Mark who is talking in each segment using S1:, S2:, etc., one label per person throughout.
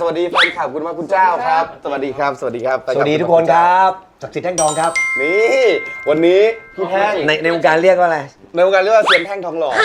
S1: วัสดีแฟนคลับคุณพระคุณเจ้าครับสวัสดีครับสวัสดีครับ
S2: สวัสดีทุกคนครับศักดิ์สิทธิ์แท่งทองครับ
S1: นี่วันนี้พี่แท่ง
S2: ในวงการเรียกว่าอะไร
S1: ในวงการเรียกว่าเซียนแท่งทองหล่อ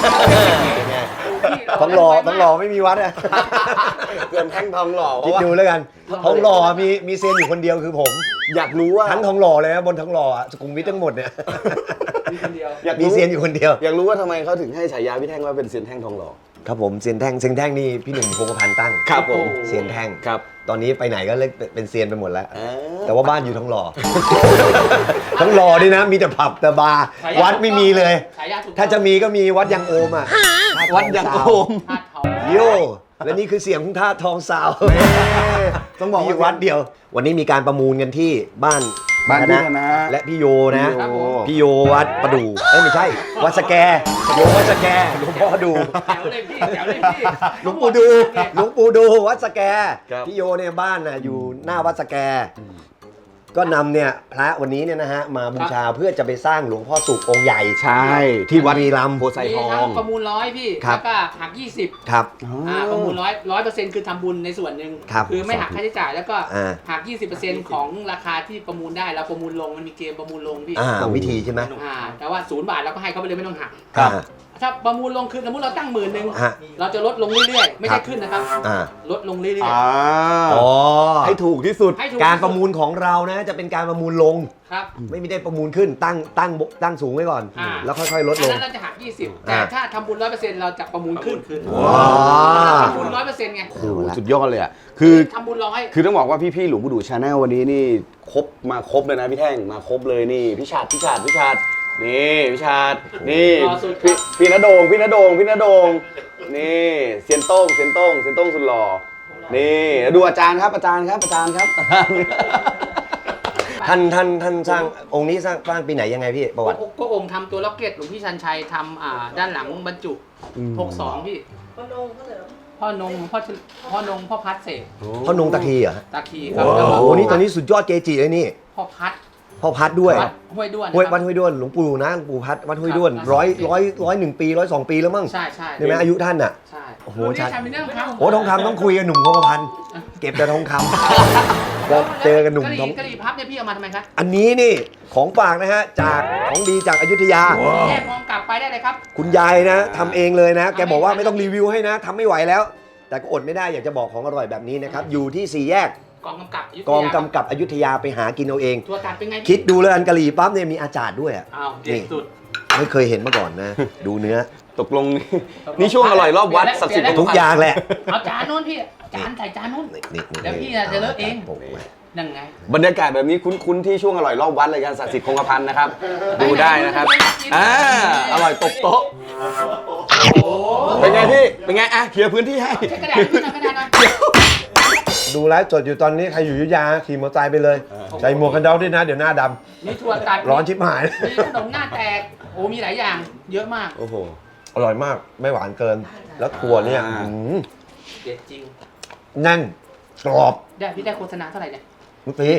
S2: ทองหล่อไม่มีวัดอะ
S1: เซียนแท่งทองหล่อ
S2: คิดดูแล้วกันทองหล่อมีเซียนอยู่คนเดียวคือผม
S1: อยากรู้ว่า
S2: ทั้งทองหล่อเลยนะบนทองหล่อสุขุมวิททั้งหมดเนี่ยมีเซียนอยู่คนเดียว
S1: อยากรู้ว่าทำไมเขาถึงให้ฉายาพี่แท่งว่าเป็นเซียนแท่งทองหล่อ
S2: ครับผมเซียนแท่งนี่พี่หนุ่มพงศ์พันธ์ตั้ง
S1: ครับผม
S2: เซียนแท่ง
S1: ครับ
S2: ตอนนี้ไปไหนก็เรียกเป็นเซียนไปหมดแล้วแต่ว่าบ้านอยู่ทองหล่อทองหล่อนี่นะมีแต่ผับแต่บาร์วัดไม่มีเลยถ้าจะมีก็มีวัดยังโอมอ่ะ
S1: วัดยังโอม
S2: โยและนี่คือเสียงของท่าทองสาวต้องบอกว่าวัดเดียว วันนี้มีการประมูลกันที่บ้าน
S1: พี่ธนะ
S2: และพี่โยนะพี่โยวัดประดู่ไม่ใช่วัดสแกโยวัดสแกหลวงพ่อดูหลวงปู่ดูวัดสแกพี่โยเนี่ยบ้านน่ะอยู่หน้าวัดสแกก็นำเนี่ยพระวันนี้เนี่ยนะฮะมาบูชาเพื่อจะไปสร้างหลวงพ่อสุของค์ใหญ่
S1: ใช่ที่วัด
S2: รีรัมย์
S1: โพไซทอง
S3: ประมูล100พี่แล้วก็หัก20
S2: ครับ
S3: ประมูล100%คือทำบุญในส่วนหนึ่งคือไม่หักค่าใช้จ่ายแล้วก็หัก 20% ของราคาที่ประมูลได้เราประมูลลงมันมีเกมประมูลลงพี่
S2: วิธีใช่ไหม
S3: แต่ว่า0 บาทเราก็ให้เขาไปเลยไม่ต้องหักถ้าประมูลลงคือสมมติเราตั้ง10,000เราจะลดลงเรื่อยๆไม่ใช่ขึ้นนะครับลดลงเรื่อย
S2: ๆ
S1: ให้ถูกที่สุด
S2: การประมูลของเรานะจะเป็นการประมูลลงไม่ได้ประมูลขึ้นตั้งสูงไว้ก่อนแล้วค่อยๆลดลง
S3: นั้นเราจะหัก20แต่ถ้าทำบุญ 100% เราจะประมูลขึ้นทำบุญ 100% ไง
S1: สุดยอดเลยอ่ะคือ
S3: ทำบุญ100
S1: คือต้องบอกว่าพี่ๆหลวงปู่ดูชาแนลวันนี้นี่ครบเลยนะพี่แท่งมาครบเลยนี่พี่ชาตินี่พี่ชาตินี่พี่ณโดงนี่เซียนโต้งสุดหล่อนี่ดูอาจารย์ครับท่าน
S2: สร้างองค์นี้สร้างปีไหนยังไงพี่ประวัติ
S3: ก็องค์ทำตัวล็อกเก็ตหลวงพี่ชันชัยทำด้านหลังบรรจุ62พี่พ่อนงพ่อพัดเสก
S2: พ่อนงตะคีเหรอ
S3: ตะคีครับ
S2: โอ้นี่ตอนนี้สุดยอดเกจิเลยนี่
S3: พ่อพัด
S2: ด้วย
S3: ห้วยด้วน
S2: วัดห้วยด้วนหลวงปู่นะหลวงปู่พัดวัดห้วยด้วน101 ปี102 ปีแล้วมั้ง
S3: ใช่
S2: ใช่ไหมอายุท่านอ่ะ
S3: โอ้โหใช่
S2: โอ้ทองคำต้องคุยกับหนุ่มพงพันธ์เก็บแต่ทองคำเราเจอกันหนุ่มทอง
S3: กะหรี่พับเนี่ยพี่เอามาทำไมครับ
S2: อันนี้นี่ของฝากนะฮะจากของดีจากอยุธยา
S3: แยกมองกลับไปได้เลยครับ
S2: คุณยายนะทำเองเลยนะแกบอกว่าไม่ต้องรีวิวให้นะทำไม่ไหวแล้วแต่ก็อดไม่ได้อยากจะบอกของอร่อยแบบนี้นะครับอยู่ที่4 แยก
S3: กองกำ
S2: กับอยุธยาไปหากินเอาเอง
S3: ตัวการเป็นไง
S2: คิดดูเลยอันกะหรี่ปั๊บเนี่ยมีอาจารย์ด้วยอ่ะ
S3: นี่สุด
S2: ไม่เคยเห็นมาก่อนนะดูเนื้อ
S1: ตกลงนี่ช่วงอร่อยรอบวัดศักดิ์สิทธิ์
S2: ทุกอย่างแหละ
S3: เอาจานนู้นพี่จานใส่จานนู้นแล้วพี่จะเลิกเองนั่งไง
S1: บรรยากาศแบบนี้คุ้นที่ช่วงอร่อยรอบวัดรายการศักดิ์สิทธิ์คงกระพันนะครับดูได้นะครับอร่อยตบโต๊ะเป็นไงพี่เป็นไงเคลียร์พื้นที่ให้
S3: กระดาษ
S2: ดูไลฟ์สดอยู่ตอนนี้ใครอยู่อยุธยาขี่มอเตอร์ไซค์ไปเลยใส่หมวกกันน็อกด้วยนะเดี๋ยวหน้าด
S3: ำมีถั่วตัด
S2: ร้อนชิบหาย
S3: มีขนมหน้าแตกมีหลายอย่างเยอะมาก
S2: โอ้โหอร่อยมากไม่หวานเกินแล้วถั่วเนี่ย
S3: เด็ดจริง
S2: แน่นกรอบ
S3: พี่ได้โฆษณาเท่าไหร่เนี่ย
S2: มุตี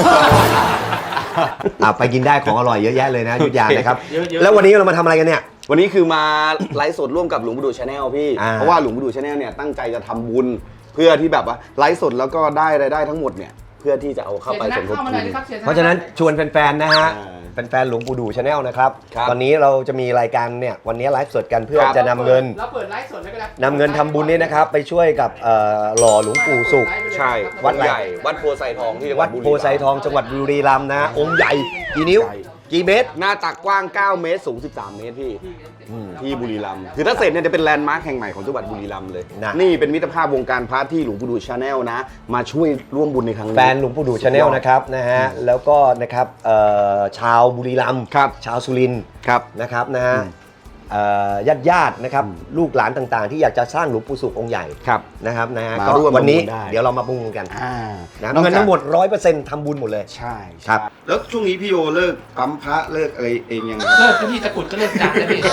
S2: ไปกินได้ของอร่อยเยอะแยะเลยนะอยุธยานะครับแล้ววันนี้เรามาทำอะไรกันเนี่ย
S1: วันนี้คือมาไลฟ์สดร่วมกับหลวงปู่ดูชาแนลพี่เพราะว่าหลวงปู่ดูชาแนลเนี่ยตั้งใจจะทำบุญเพื่อที่แบบว่าไลฟ์สดแล้วก็ได้รายได้ทั้งหมดเนี่ยเพื่อที่จะเอาเข้าไปสมทบทุน
S2: เพราะฉะนั้นชวนแฟนๆนะฮะแฟนๆหลวงปู่ดูชาแนลนะครับตอนนี้เราจะมีรายการเนี่ยวันนี้ไลฟ์สดกันเพื่อจะนำเงิน
S3: เราเปิดไลฟ์สดไม่ก็ได้
S2: นำเงินทำบุญนี่นะครับไปช่วยกับหล่อหลวงปู่สุข
S1: ใช่วัดใหญ่วัดโพไซทองที่
S2: วัดโพไซทองจังหวัดบุรีรัมย์นะองค์ใหญ่กี่นิ้วกี่เมตร
S1: หน้าตักกว้าง9 เมตรสูง13 เมตรพี่ที่บุรีรัมย์คือถ้าเสร็จเนี่ยจะเป็นแลนด์มาร์คแห่งใหม่ของจังหวัดบุรีรัมย์เลยนี่เป็นมิตรภาพวงการพระที่หลวงปู่ดูชาแนลนะมาช่วยร่วมบุญในครั้งนี้
S2: แฟนหลวงปู่ดูชาแนลนะครับนะฮะแล้วก็นะครับชาวบุรีรัมย์ชาวสุรินทร์นะครับนะฮะญาตินะครับลูกหลานต่างๆที่อยากจะสร้างหลวงปู่สุของค์ใหญ่นะครับนะฮะก็วันนี้เดี๋ยวเรามาประมูลกันเงินทั้งหมด 100% ทำบุญหมดเลย
S1: ใช่ครับแล้วช่วงนี้พี่โยเลิกปั๊มพระเลิกอะไรเองยัง
S3: เลิกที่ตะกุดก็เลิกจับเลยพี่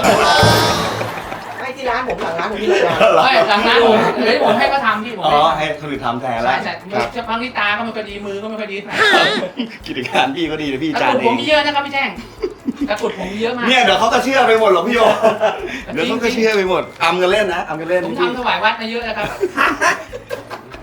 S4: ไม่ที่ร้านผมหลังร้านผมที่เลย
S3: ไม่หลังร้านผมให้เขาทำพี่ผม
S1: ให้คนอื่นทำแทนแล้ว
S3: ใช่จะพังที่ตาก็ไม่ค่อยดีมือก็ไม่ค่อยดี
S1: กิจการพี่ก็ดีนะพี่จานเอง
S3: ผมมีเยอะนะครับพี่แจ้งตะกุดผมเยอะมาก
S1: เนี่ยเดี๋ยวเขาจะเชื่อไปหมดหรอพี่โยเดี๋ยวเขาจะเชื่อไปหมดทำกันเล่นนะทำกันเล่น
S3: ผมทำถวายวัดมาเยอะนะครับ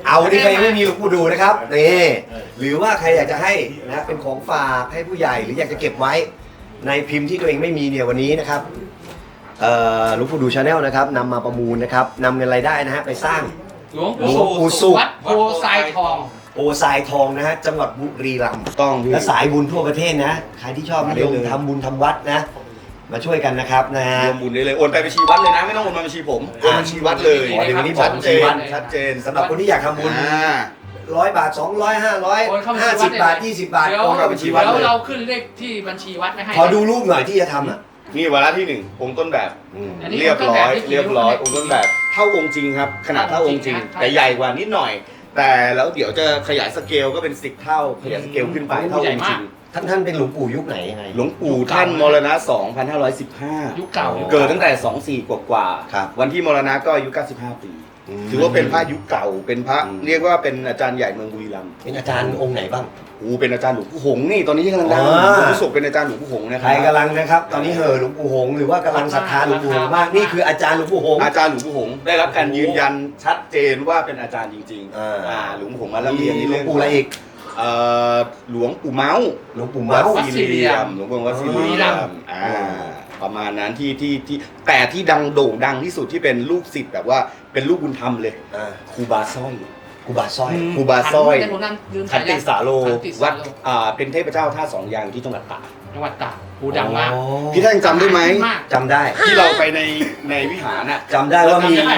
S2: เอาที่ใครยังไม่มีหลวงปู่ดูนะครับนี่หรือว่าใครอยากจะให้นะเป็นของฝากให้ผู้ใหญ่หรืออยากจะเก็บไว้ในพิมพ์ที่ตัวเองไม่มีเนี่ยวันนี้นะครับหลวงปู่ดูชาแนลนะครับนำมาประมูลนะครับนำเงินรายได้นะฮะไปสร้าง
S3: หลวงปู่สุขวัดโพไซทอง
S2: โอทรายทองนะฮะจังหวัดบุรีรัมย์
S1: ต้องพี่
S2: และสายบุญทั่วประเทศนะใครที่ชอบนิยมทำบุญทำวัดนะมาช่วยกันนะครับนะฮะ
S1: รวมบุญได้เลยโอนไปบัญชีวัดเลยนะไม่ต้องโอนมาบัญชีผมโอนบัญชีวัดเลย
S2: อ๋อเดี๋ยวนี้บอก
S1: ชัด
S2: บัญ
S1: เจ
S2: ชี
S1: น
S2: วัด
S1: ชัดเจน
S2: สำหรับคนที่อยากทำบุญ
S1: อ่า
S2: 100 บาท 200 500 50 บาท 20 บาท
S3: เดี๋ยว
S2: โอนกับบัญชีวัด
S3: เดี๋ยว
S2: เลย
S3: เราขึ้นเลขที่บัญชีวัดไม่ให้
S2: ขอดูรูปหน่อยที่จะทำอ่ะ
S1: นี่วาระที่หนึ่งองค์ต้นแบบ
S3: อันนี้
S1: เรียบร้อย
S3: องค์ต้นแบบ
S1: เรียบร้อยองค์ต้นแบบเท่าองค์จริงครับขนาดเท่าองค์จริง แต่ใหญ่กว่านิดหน่อย แต่แล้วเดี๋ยวจะขยายสเกลก็เป็น10 เท่าขยายสเกลขึ้นไปเท่าองค์จริง
S2: ท่านเป็นหลวงปู่ยุคไหนยังไง
S1: หลวงปู่ท่านมรณะ 2515
S3: ยุคเก่า
S1: เกิดตั้งแต่ 24 กว่า
S2: ครับ
S1: วันที่มรณะก็อายุ 95 ปี ถือว่าเป็นพระยุคเก่าเป็นพระเรียกว่าเป็นอาจารย์ใหญ่เมืองบุรีรัมย์
S2: เป็นอาจารย์องค์ไหนบ้าง
S1: เป็นอาจารย์หลวงปู่หงส์นี่ตอนนี้ที่กำลังดัง
S2: อ๋อ
S1: หลวงปู่สุขเป็นอาจารย์หลวงปู่หงส์นะค
S2: ใค
S1: รั
S2: รกำลังนะครับตอนนี้เห่อหลวงปู่หงส์หรือว่ากำลังศรัทธาหลวงปู่หงส์มากนี่คืออาจารย์หลวงปู่หงส์
S1: อาจารย์หลวงปู่หงส์ได้รับการยืนยันชัดเจนว่าเป็นอาจารย์จริง
S2: อ่า
S1: หลวงปู่หงส์มาแล้วเรียน
S2: มี
S1: ใน
S2: หลว
S1: เรื่อง ง
S2: ปู่อะไรอีก
S1: หลวงปู่เมาส์
S2: หลวงปู่
S1: วั
S2: เมา
S1: ด
S2: ส์
S1: ศิริยมหลวงปู่วัดศิริยมประมาณนั้นที่แต่ที่ดังโด่งดังที่สุดที่เป็นลูกศิษย์แบบว่าเป็นลูกบุญธรรมเลย
S2: อ่า
S1: ครูบาสร้อย
S2: ครูบาสร้อย
S1: ครูบาสร้อย
S3: ขั
S1: ขันติสาโล
S3: ขันติสา
S1: วัด
S3: โล
S1: เป็นเทพเจ้าท่าสองยางอยู่ที่จังหวัดตาก
S3: จังหวัดตากหูดังมาก
S2: อ๋อ
S1: พี่แท่งจำได้ไหม
S3: มาก
S2: จำได้
S1: ที่เราไปในวิหารน่ะ
S2: จำได้ว่ามี
S3: จำได้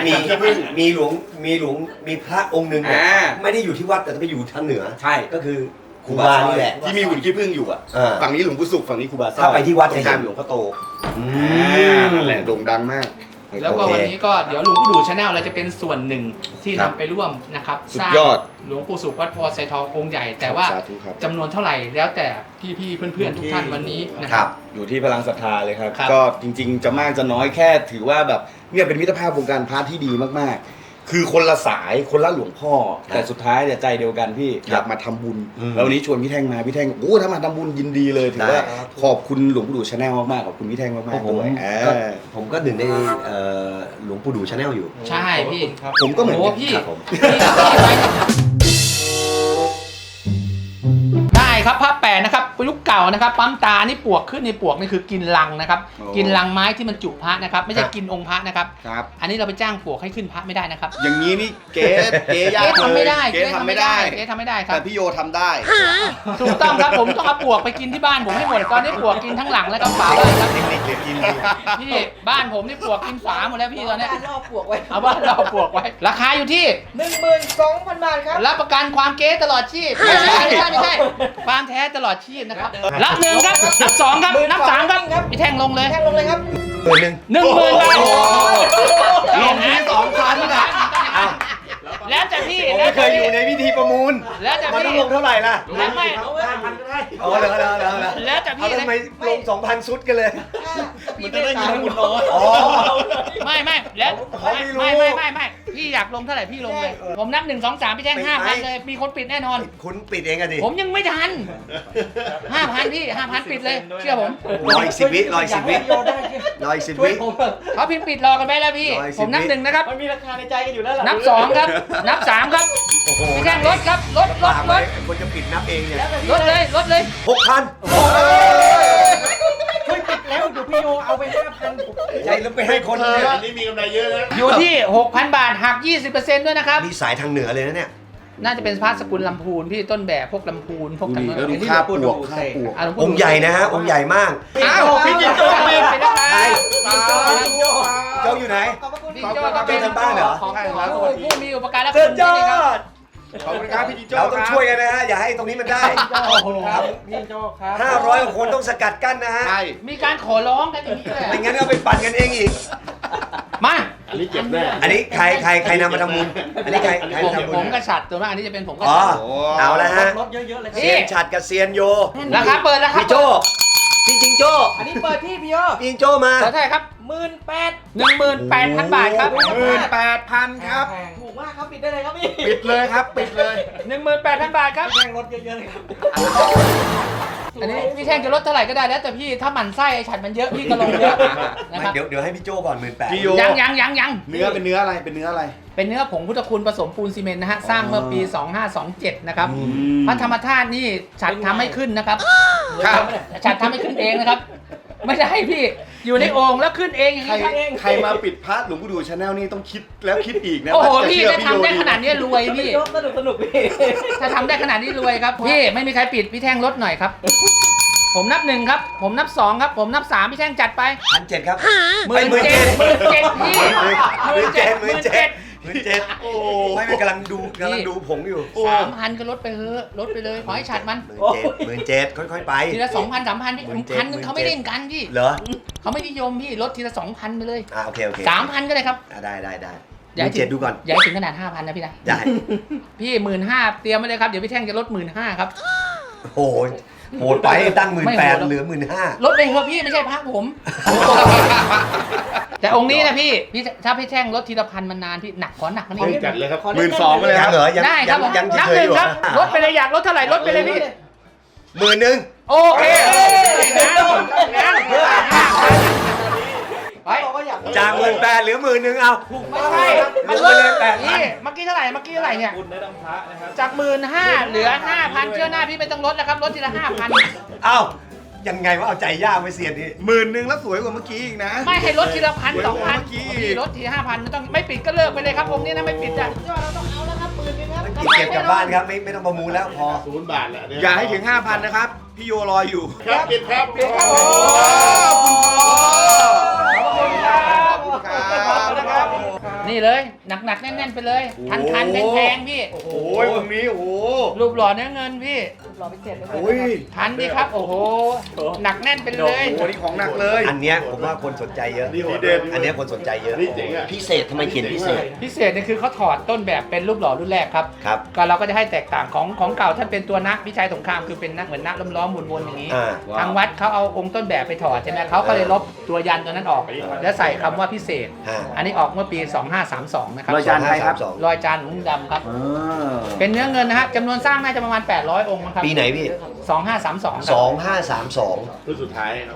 S2: มีพระองค์หนึ่งเนี่ย
S1: อ่า
S2: ไม่ได้อยู่ที่วัดแต่ไปอยู่ทางเหนือ
S1: ใช่
S2: ก็คือครูบานี่แหละ
S1: ที่มีหุ่นขี้ผึ้งอยู่อ่ะ
S2: อ่า
S1: ฝั่งนี้หลวงปู่สุขฝั่งนี้ครูบาสร้อย
S2: ถ้าไปที่วัด
S1: ตร
S2: จะ
S1: ง
S2: เห็
S1: กลาน งหลวงพ่อโต
S2: อืม
S1: นั่นแหละโด่งดังมาก
S3: แล้วก็
S2: โอเค
S3: วันนี้ก็เดี๋ยวหลวงปู่ดูชาแนลเราจะเป็นส่วนหนึ่งที่
S1: ครั
S3: นำ
S1: บ
S3: ไปร่วมนะครับ
S1: สุด
S3: สร้าง
S1: ยอด
S3: หลวงปู่สุขวัดโพไซทององค์ใหญ่ แต่ว่า
S1: สาธุครับ
S3: จำนวนเท่าไหร่แล้วแต่พี่ๆเพื่อนๆทุกท่านวันนี้นะ
S2: ค
S3: ค
S2: รั
S3: รับ บ
S1: อยู่ที่พลังศรัทธาเลยครับ
S3: ครับ
S1: ก็จริงๆ จะมากจะน้อยแค่ถือว่าแบบเนี่ยเป็นมิตรภาพวงการพระที่ดีมากๆ คือคนละสายคนละหลวงพ่อ แต่สุดท้ายเนี่ยใจเดียวกันพี่อยากมาทำบุญ แล้ววันนี้ชวนพี่แท่งมาพี่แท่งโอ้ถ้ามาทำบุญยินดีเลยถือว่าขอบคุณหลวงปู่ดูชาแนลมากๆขอบคุณพี่แท่งมากๆด้วย
S2: ผมก็หนึ่งในหลวงปู่ดูชาแนลอยู่
S3: ใช่พี่
S1: ผมก็เหมือน
S3: โอ้
S1: กัน
S3: พี่
S2: ครับผม
S3: ได้ครับผ้าแปะนะครับยุคเก่านะครับปั๊มตานี่ปวกขึ้นในปวกนี่คือกินรังนะครับ กินรังไม้ที่มันจุพระนะครับไม่ใช่กินองค์พระนะครับ
S1: ครับ
S3: อันนี้เราไปจ้างปวกให้ขึ้นพระไม่ได้นะครับ
S1: อย่างนี้นี่เก๋ยาก
S3: เก๊ทำไม่ได้
S1: เก๋ทำไม่ได้
S3: เก๊ทำไม่ได้ครั
S1: แต่
S3: บ
S1: พี่โยทำได้
S3: ถูกต้องครับผมต้องเอาปวกไปกินที่บ้านผมให้หมดตอนนี้ปวกกินทั้งหลังแล้วก็ฝาบ้านครับ
S1: เทคนิคเด็ดกินดี
S3: พี่บ้านผมนี่ปวกกินฝาหมดแล้วพี่ตอนนี้
S4: รอบปลวกไว้
S3: เอาบ้านเราปวกไว้ ราคาอยู่ที่
S4: 12,000 บาทครับ
S3: รับประกันความเก๊ตลอดชีพไม่ใช่ความแท้ตลอดชีพนะครับรับหนึ่งครับนับสองครับนับสามครับพี่แท่งลงเลย
S4: แท่งลงเลยครับ
S3: 10,000 บาท
S1: ลงที่2,000นะอ่ะ
S3: แล้วแต่พี่
S1: ผมไม่เคยอยู่ในพิธีประมูล
S3: แล้วแต่
S2: มันต้อง
S3: พี่
S2: ลงเท่าไหร่ล่ะ
S3: แล้วไม่
S2: อ๋อเหรอ
S3: แล้วแต่
S2: เอา
S3: พี่
S2: ทำไมลง 2,000 ชุดกันเลย
S4: พี่ไม่ได้บุญน้อย
S2: อ๋อ
S3: ไม่แล้ว
S2: เขาไม่รู้
S3: ไม่พี่อยากลงเท่าไหร่พี่ลงเลย ผมนับ1 2 3พี่แจ้ง 5,000 เลย มีคนปิดแน่นอน
S2: คุณปิดเองอะดิ
S3: ผมยังไม่ทัน 5,000 พี่ 5,000 ปิดเลย เชื่อผม
S2: รออีก10 วิรออีก10 วิรออีก10 วิ
S3: เขาพิมพ์ปิดรอกันไปแล้วพี่
S2: 110
S3: ผมนับ 1 นะครับ
S4: มันมีราคาในใจกันอยู่แล้วล่ะ
S3: นับ 2 ครับ นับ 3 ครับ
S2: โอ้โห
S3: พี่แจ้งลดครับ ลด
S2: คนจะปิดนับเองเนี่ย
S3: ลดเลย
S2: 6,000
S4: ช่วยปิดแล้วเดี๋ยวพี่โยเอาไป5,000
S2: ใจแล้วไปให้คนเลย
S1: นี่มีกำไรเยอะนะ
S3: อยู่ที่ 6,000 บาทหัก 20%ด้วยนะครับ
S2: นี่สายทางเหนือเลยนะเนี่ย
S3: น่าจะเป็นพระสกุลลำพูนพี่ต้นแบบพวกลำพูนพวกกัน
S1: แล้วดูค่าปลวกค่าปลวก
S3: ะหลวปู่
S2: องค์ใหญ่นะฮะ องค์ใหญ่มาก
S3: อ้าวพี่จิงโจ้ปิดไปแล้วครับ
S2: ใคร
S3: พี่โจ้ครับ
S2: เจ้าอยู่ไหน
S4: ขอบพระคุณ
S3: พี่โจ้ก็เป็น
S2: เจ้าทางบ้านเหรอ
S3: ของผู้มีอุปการะ
S2: สุ
S3: คุ
S2: ด
S3: ณ
S2: ยอ
S3: นี่ครับ
S2: ด
S1: ขอบคุณครับพี่จิงโจ้
S2: เราต้องช่วยกันนะฮะ อย่าให้ตรงนี้มันได้
S4: ครับพี่โจครับ
S2: 500กว่าคนต้องสกัดกั้นนะฮะ
S1: ใช่
S3: มีการขอร้องกันอย่างนี้แหละ
S2: ไม่งั้นก็ไปปั่นกันเองอีก
S3: มา
S1: อันนี้เก็บแน่
S2: อันนี้ใครนำมาทำบุญอันนี้ใครทำบุญ
S3: ผมกระชัดตัวมากอันนี้จะเป็นผมกระ
S2: อ๋อ
S3: ชัด
S2: เอาละฮะ
S4: รถเยอะๆเลยครับ
S2: เซียนฉัดกับเซียนโย
S3: ราคาเปิดราคา
S2: พี่โจพี่จิงโจ้
S4: อันนี้เปิดที่พี่โย
S2: พี่จิงโจ้มา
S3: เท่าไหร่ครับ 18,000 บาทครับ
S1: 18,000 ครับ
S4: ถูกมากครับปิดได้เลยครับพี่
S1: ปิดเลยครับ ปิดเลย
S3: 18,000 บาทครับ
S4: แท่งรถเยอะๆเลยครับ
S3: อันนี้พี่แท่งจะลดเท่าไหร่ก็ได้แล้วแต่พี่ถ้าหมั่นไส้ไอ้ฉัดมันเยอะพี่ก็ลงเยอะนะครับ
S2: เดี๋ยวให้พี่โจก่อน18,000
S1: พี่โย
S3: ยัง
S1: เนื้อเป็นเนื้ออะไรเป็นเนื้ออะไร
S3: เป็นเนื้อผงพุทธคุณผสมปูนซีเมนต์นะฮะสร้างเมื่อปี 2527 นะครับพระธรรมธาตุนี่ฉัดทำให้ขึ้นนะครับ
S1: ครับ
S3: ฉัดทำให้ขึ้นเองนะครับ ไม่ได้พี่อยู่ในโอ่งแล้วขึ้นเองอย่าง
S1: ใคร
S3: นี้ครับ
S1: ใครมาปิดพาร์ทหลวงปู่ดูชาแนลนี่ต้องคิดแล้วคิดอีกนะ
S3: โอ้โห
S1: ว่าจะ
S3: พี่
S1: เชื่อ
S3: จะทำได้
S1: โย
S3: ขนาดนี้รวยพี่
S4: พี่โจ๊กสนุกพี่
S3: ถ้าทำได้ขนาดนี้รวยครับพี่ไม่มีใครปิดพี่แท่งลดหน่อยครับ ผมนับ 1ครับผมนับ 2ครับผมนับ 3พี่แท่งจัดไป
S2: 1,700ครับ
S3: 17,000พี่
S2: 17,000โอ้ไม่เป็นกำลังดูผงอยู่
S3: 3,000ก็ลดไปเถอะลดไปเลยขอให้ฉัดมัน
S2: 17,000ค่อยๆไป
S3: ทีละ 2,000 3,000พี่พันนึงเขาไม่เล่นกันพี่
S2: เหรอ
S3: เขาไม่นิยมพี่ลดทีละ 2,000ไปเลย
S2: โอเค
S3: 3,000ก็ได้ครับ
S2: ได้
S3: อย่าให้ถึง
S2: 17,000ดูก่อน
S3: อย่าให้ถึงขนาด 5,000นะพี่นะ
S2: ได้
S3: พี่ 15,000เตรียมไว้เลยครับเดี๋ยวพี่แท่งจะลด 15,000ครับ
S2: โอ้ยโหดไปตั้ง
S3: ไม่โหดหรอก
S2: 18,000เหลือ 15,000
S3: ลดไปเถอะพี่ไม่ใช่พระผม แต่องค์นี้นะพี่ถ้าพี่แท่งลดทีละพันมันนานพี่หนักขอหนักกว่านี้
S1: จัดเลยครับ12,000ไปเลยครับ
S2: เหรอยัง
S3: ได้ครับผม
S2: ยัง
S3: นับ
S2: เฉ
S3: ห
S2: ย
S3: นึ่
S2: ๆ
S3: ง
S2: อยู่
S3: ครับลดไปเลยอยากลดเท่าไหร่ลดไปเลยพี่
S2: 10,000
S3: โอเคไป
S4: บอกว่าอยาก
S2: จาก 18,000เหลือ 10,000เอา
S3: ไม่ใช่มันลดเลยพี่เมื่อกี้เท่าไหร่เนี่ย
S4: คุณได้ต้องพระนะครับ
S3: จาก 15,000เหลือ 5,000เชื่อหน้าพี่ไม่ต้องลดแล้วครับลดทีละ 5,000
S2: เอ้ายังไงว่าเอาใจยากไว้เสียนี่
S1: 10,000แล้วสวยกว่าเมื่อกี้อีกนะ
S3: ไม่ให้ลดทีละพัน
S1: เดี๋ยว
S3: 2,000
S1: เมื่อกี้
S3: พี่ลดที5,000ไม่ต้องไม่ปิดก็เลิกไปเลยครับผมนี่นะไม่ปิดอ่ะ
S4: ยอดเราต้องเอาแล้วครับหมื่นนึงครับ
S2: มันเก็บกลับบ้านครับไม่ต้องประมูลแล้วพอ
S5: 0 บาทแหละ
S1: อย่าให้ถึง 5,000 นะครับ พี่โยรออยู่
S5: ครับปิดครับ
S4: ปิดครับผม
S1: ขอบคุณครับขอบคุณครับ
S3: นี่เลยหนักๆแน่นๆไปเลยคันๆแพงๆพี่
S1: โอ้ยตรงนี้โอ้โห
S3: รูปหล่อเนื้อเงินพี่
S4: รอไปเจ็ดเลย
S1: โอ้ย
S3: ทันดีครับโอ้โหหนักแน่นไปเลย
S1: โอ้โหนี่ของหนักเลย
S2: อันเนี้ยผมว่าคนสนใจเยอะ
S5: นี่ของเด็ด
S2: อันเนี้ยคนสนใจเยอะ
S5: นี่เจ๋งอ่ะ
S2: พิเศษทำไมเขียนพิเศษ
S3: พิเศษเนี่ยคือเขาถอดต้นแบบเป็นรูปหล่อรุ่นแรกครับ
S2: ครับ
S3: ก็เราก็จะให้แตกต่างของเก่าท่านเป็นตัวนักพิชัยสงครามคือเป็นนักเหมือนนักล้อมๆวนๆอย่างนี้
S2: อ่า
S3: ทางวัดเขาเอาองค์ต้นแบบไปถอดใช่ไหมเขาก็เลยลบตัวยันตัวนั้นออก แล้วใส่คำว่าพิเศษ
S2: ฮะ
S3: อันนี้ออกเมื่อปี 2532 นะครับ
S1: รอยจานใครครับ
S3: รอยจานหลวงดำครับ
S1: อ่า
S3: เป็นเนื้อเงินนะฮะจำนวนสร้างน่าจะประมาณ 800 องค์นะครับ
S2: ปีไหนพี่
S3: 2532ครับ
S2: 2532
S5: รุ่นสุดท้ายครับ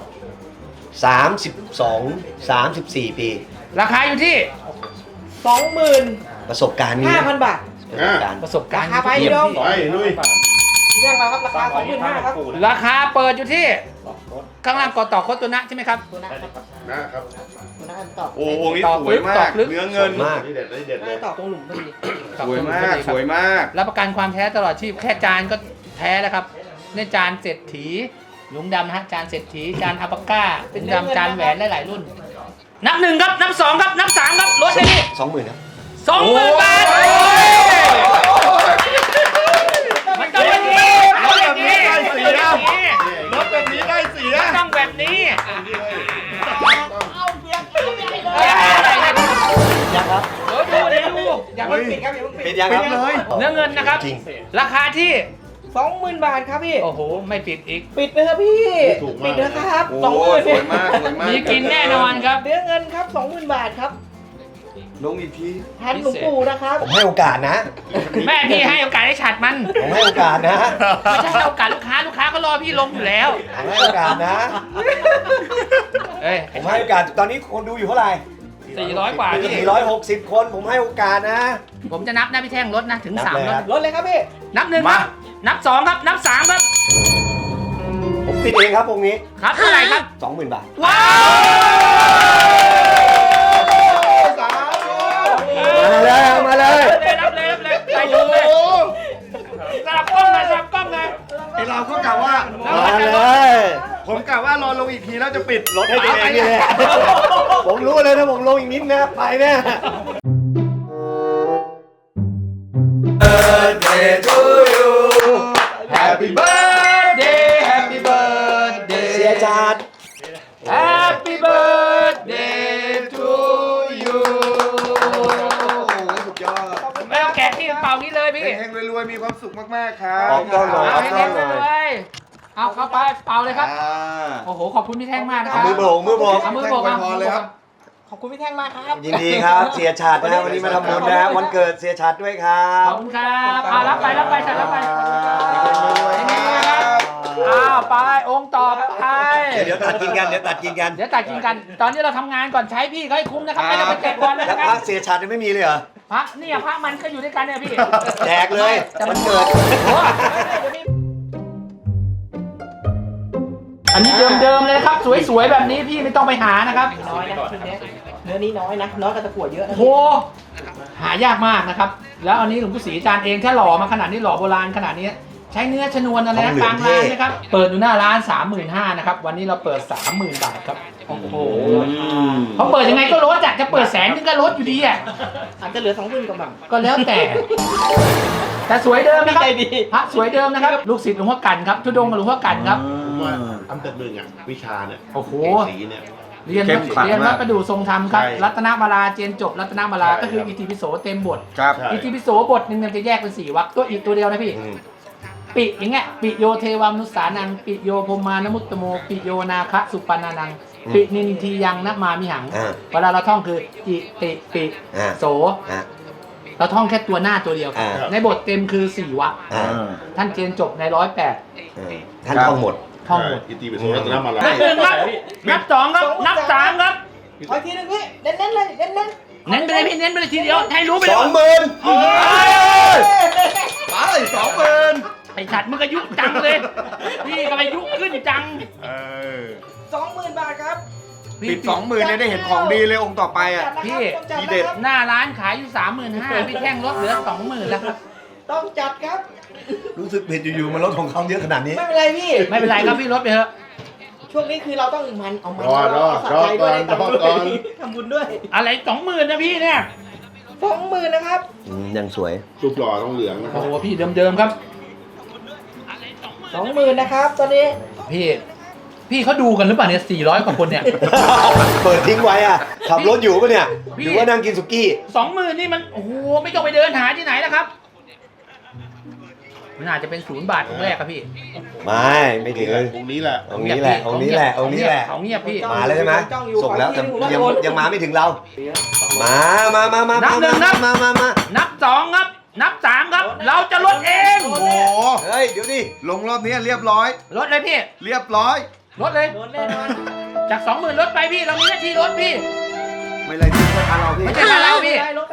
S2: 34 ปี
S3: ราคาอยู่ที่
S4: 20,000
S2: ประสบการณ์นี้
S4: 5,000 บาท
S2: ประสบการณ์
S3: ประสบการณ์
S4: ราคาไป
S3: เยี่ยม
S4: พี่น้อง
S5: ไปลุย
S4: พี่แจ้งมาครับราคา25,000ครับ
S3: ราคาเปิดอยู่ที่ข้างล่างกอต่อโคตรตัวนะใช่ไหมครับ
S4: ตัวนะครับ
S5: นะครับ
S4: ตัวนั้นตอบ
S1: โอ้โหนี่สวยมาก เนื้อเงิน
S2: มาก
S5: นี่เด็ดนี่เด็ดเล
S4: น่าย จะตอบตรงหลุมพอดี
S1: สวยมาก สวยมาก
S3: รับประกันความแท้ตลอดชีพแค่จานก็แท้แล้วครับในจานเศรษฐีหลุมดำนะฮะจานเศรษฐีจานอัปปาก้าหลุมดำจานแหวนหลายๆรุ่น นับ 1ครับนับ 2ครับนับ 3ครับลดเลยนี่
S2: 20,000ครับ
S3: 20,000 บาทมันต้องแบบนี้ลดแบบนี้
S1: รถแบบนี้ได้สี
S3: มั
S1: นะ
S3: นต้องแบบนี้
S4: เอาเบียร์ใหญ่เลย
S2: ยังครับ
S3: เดี๋ยวดู
S4: อย่าเพิ่งปิดครับอย่าเพิ่งปิ
S2: เป็
S4: ด
S2: นยังครับ
S1: ปิดเลย
S3: เนื้อเงินนะครับ
S2: จริง
S3: ราคาที่
S4: 20,000 บาทครับพี่
S3: โอ้โหไม่ปิดอีก
S4: ปิดไปเถอะพี่ ปิดนะครับ
S1: โอ้
S4: 20,000
S1: สวยมาก สวยมาก
S3: มีกินแน่นอนครับ
S4: เนื้อเงินครับ 20,000 บาทครับ
S1: ลงอีกที
S4: แทนหลวงปู่นะครับ
S2: ผมให้โอกาสนะ
S3: แม่พี่ให้โอกาสให้ฉัดมัน
S2: ผมให้โอกาสนะ
S3: ไม่ใช่ให้โอกาสลูกค้าก็รอพี่ลงอยู่แล้ว
S2: ผมให้โอกาสนะ
S3: เอ้ย
S2: ผมให้โอกาส ตอนนี้คนดูอยู่เท่าไหร่
S3: 400 กว่าพี่
S2: 460 คน ผมให้โอกาสนะ
S3: ผมจะนับนะพี่แท่งลดนะถึง
S2: นับ
S3: 3
S2: เลย
S3: ล
S2: ครั
S3: ด
S2: บ
S4: ลดเลยครับพี่
S3: นับ 1 ครับ นับ 2 ครับ นับ 3 ครับ
S2: ผมปิดเองครับองค์นี้
S3: ครับเท่าไหร่ครับ
S2: 20,000 บาท
S3: ว้าว
S2: มาเลย
S3: รับเลยใส่ถุงเลยสลับกล้องเลย
S1: ไอเราก็กะว่า
S2: มาเลย
S1: ผมกะว่ารอลงอีกทีแล้วจะปิด
S2: รถให้ตัวเองนี่แหละผมรู้เลยถ้าผมลงอีกนิดนะไปแน่
S1: Birthday to you Happy birthday Happy birthday
S2: เสียจาด
S3: Happy birthday to you
S1: สุดยอด
S3: ไม่ต้องแกะที่เป่านี้เลยพี่
S1: เฮงๆรวยๆ มีความสุขมากๆ ครับ
S2: ออกกล้องหน่อย
S3: เอาให้เล่นไปเลยเอาเข้าไปเป่าเลยครับ
S1: อ่า
S3: โอ้โห ขอบคุณพี่แท่งมากนะครั
S2: มือโบกมือโบก
S3: เอามือโบก
S1: แท่งอวยพรเลยครับ
S4: ขอบคุณพี่แท่งมากครับ
S2: ยินดีครับ เสียชาดนะวันนี้มาทำบุญนะวันเกิดเสียชาดด้วยครั
S3: ข
S2: บ
S3: อบคุณครับรับไปฉันรับไป
S1: รวยๆครับ
S3: อ้าวไปองค์ต่อไป
S2: เดี๋ยวตัดกินกัน เดี๋ยวตัดกินกัน
S3: เดี๋ยวตัดกินกัน ตอนนี้เราทำงานก่อนใช้พี่เขาให้คุ้มนะครับไม่ต้องไปแจกบอลนะ
S2: แล้ว
S3: ค
S2: พ
S3: รั
S2: ระ
S3: บ
S2: เสียชัดยังไม่มีเลยเหรอ
S3: พระเนี่ยพระมันก็อยู่ด้วยกันเนี่ยพี่
S2: แจกเลย
S3: แต่มั
S2: มัน นเกิด
S3: โอ้อันนี้เดิมๆเลยนะครับ สวยๆแบบนี้พี่ไม่ต้องไปหานะครับ
S4: น้อยนะชุดเนี้ยเนื้อนี้น้อยนะน้อยกับตะกั่วเยอะนะ
S3: โอ้โหหายากมากนะครับ แล้วอันนี้หลวงปู่ศรีอาจารย์เองถ้าหล่อมาขนาดนี้หล่อโบราณขนาดนี้ใช้เนื้อชนวนอะไรนะกลางร้านนะครับ เปิดอยู่หน้าร้าน 35,000นะครับ วันนี้เราเปิด 30,000 บาทครับ โอ้โหเขาเปิดยังไงก็ลดอ่ะจะเปิด100,000ก็ลดอยู่ดีอ่ะ
S4: อาจจะเหลือ20,000กว่าบาท
S3: ก็แล้วแต่ แต่สวยเดิมนะครับ
S4: ใจดี
S3: พระสวยเดิมนะครับ ลูกศิษย์หลวงพ่อกันครับทุดงค์กับหลวงพ่อกันครับ
S5: ผมว่าอันดับหนึ่งอ่ะวิชาเนี่ย
S3: โอ้โห
S5: สีเนี่ย
S3: เรียน
S1: เข้มขลัง
S3: เรียน
S1: มา
S3: วั
S1: ก
S3: ดประดู่ทรงธรรมครับ
S5: ใช่
S3: รัตนมาลาเจนจบรัตนมาลา
S5: ใช่
S3: ก็คือ
S5: ครับ
S3: อิติปิโสเต็มบท
S1: ครับ
S5: ใช่
S3: อิติปิโสบทหนึ่งมันจะแยกเป็น4 วรรคตัวอีกตัวเดียวนะพี่ ปิอย่างเงี้ยปิโยเทวามนุสสานังปิโยพรหมานมุตตโมปิโยนาคะสุปปานานังปินินทียังนะมามิหัง
S2: อ่า
S3: เวลาเราท่องคืออิติปิ
S2: อ่า
S3: โส
S2: อ่ะ
S3: เราท่องแค่ตัวหน้าตัวเดียวครับ
S2: อ่า
S3: ในบทเต็มคือ4 วรรค
S2: อ่ะ
S3: ท่านเจนจบใน108
S2: ท่านท่องหมด
S3: ท่องหมด
S5: อิติปิโสรัตนมาลา
S3: นับ 1ครับนับ2ครับนับ3ครับ
S4: ขออีกทีนึงพี่เน้นๆเลยเน้น
S3: เน้นไปเลยพี่เน้นไปเลยทีเดียวให้รู้ไปเลย
S1: ไป20,000
S3: ไอ้สัตว์มึงก็ยุจังเลย พี่ก็ไปยุขึ้นจัง
S4: 20,000 บาทครับ
S1: ปิด 20,000เนี่ยได้เห็นของดีเลยองค์ต่อไปอ่ะ
S3: พี่
S1: ทีเด็ด
S3: หน้าร้านขายอยู่ 35,000พี่แท่งลดเหลือ 20,000แล้วครับ
S4: ต้องจัดครับ
S2: รู้สึกผิดอยู่ๆมันลดของเขาเยอะขนาดนี้
S4: ไม่เป็นไรพี่
S3: ไม่เป็นไรครับพี่ลดไปเถอะ
S4: ช่วงนี้คือเราต้องมันเอามัน
S5: รอ
S4: สะใจด้วย
S5: รอก่อน
S4: ทำบุญด้วย
S3: อะไร 20,000นะพี่เนี่ย
S4: 20,000นะครับ
S2: ยังสวย
S5: รูปหล่อต้องเหลืองนะค
S3: โอ้
S5: รับ
S3: โหพี่เดิมๆครับ
S4: 20,000นะครับตอนนี้
S3: พี่เขาดูกันหรือเปล่าเนี่ย400 กว่าคนเนี่ย
S2: เปิดทิ้งไว้อ่ะ ขับรถอยู่ปะเนี่ย
S3: พี่
S2: หรือว่านั่งกินสุกี้
S3: 20,000นี่มันโอ้โหไม่ต้องไปเดินหาที่ไหนแล้วครับมันอาจจะเป็น0 บาทองค์แรกครับพี่
S2: ไม่ถึงเลย
S5: องค์นี้แหละ
S2: องค์นี้แหละ องค์นี้แหละ องค์นี้แหละ
S3: ของเงียบพี่
S2: มาแล้วใช่ไหม
S4: จ้องอยู่
S2: ส่งแล้วแต่
S4: ขอที่
S2: ยัง
S4: หนึ่ง
S2: ยังมาไม่ถึงเรา มา
S3: นับหนึ่งนับ
S2: มา
S3: นับ2ครับ นับ3ครับ เราจะลดเอง
S1: โอ้โห
S2: เฮ้ย เดี๋ยวดิ
S1: ลงรอบนี้เรียบร้อย
S3: ลดเลยพี่
S1: เรียบร้อย
S3: ลดเลย
S4: โดนแน่นอน
S3: จาก 20,000ลดไปพี่เรามีหน้าที่ลดพี่
S1: ไม่เลยที่ไม่ทันเราพี่
S3: ไม่ใช่มาแล้วพี่
S4: ได้ลดได้